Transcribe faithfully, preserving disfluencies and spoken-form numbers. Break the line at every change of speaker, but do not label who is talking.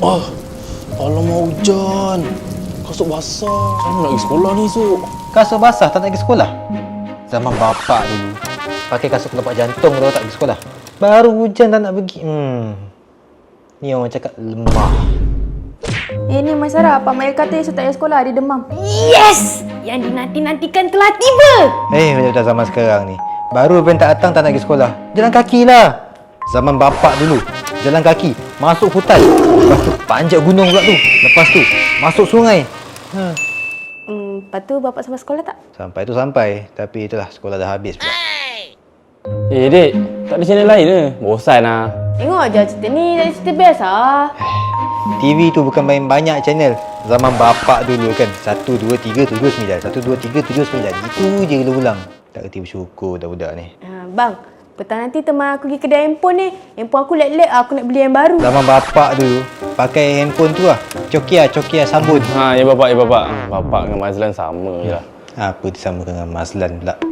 Ah, alamak hujan. Kasut basah. Macam mana nak pergi sekolah ni, Su?
Kasut basah tak nak pergi sekolah? Zaman bapak dulu pakai kasut kelopak jantung kalau tak pergi sekolah. Baru hujan tak nak pergi. Hmm. Ni orang cakap lemah.
Eh ni Mas Sarah, Pak Mail kata esok tak payah sekolah, dia demam.
Yes! Yang dinanti-nantikan telah tiba.
Eh, macam dah zaman sekarang ni. Baru pen tak datang tak nak pergi sekolah. Jalan kaki lah. Zaman bapak dulu. Jalan kaki. Masuk hutan. Lepas tu panjat gunung pula tu. Lepas tu masuk sungai. Ha.
Hmm, lepas tu bapak sampai sekolah tak?
Sampai tu sampai. Tapi itulah sekolah dah habis pula.
Eh, Dek. Tak ada channel lain ke? Bosan lah.
Tengok je cerita ni, jadi cerita biasa.
T V tu bukan main banyak channel. Zaman bapak dulu kan. Satu, dua, tiga, tujuh, sembilan. Satu, dua, tiga, tujuh, sembilan. Itu je ulang. Tak kerti bersyukur budak-budak ni.
Ha, bang, petang nanti teman aku pergi kedai handphone ni. Handphone aku lag-lag, aku nak beli yang baru.
Zaman bapak dulu pakai handphone tu lah. Cokia, Cokia sambun.
Ha, ya bapak, ya bapak. Bapak dengan Mazlan sama je lah.
Apa disamakan dengan Mazlan pula?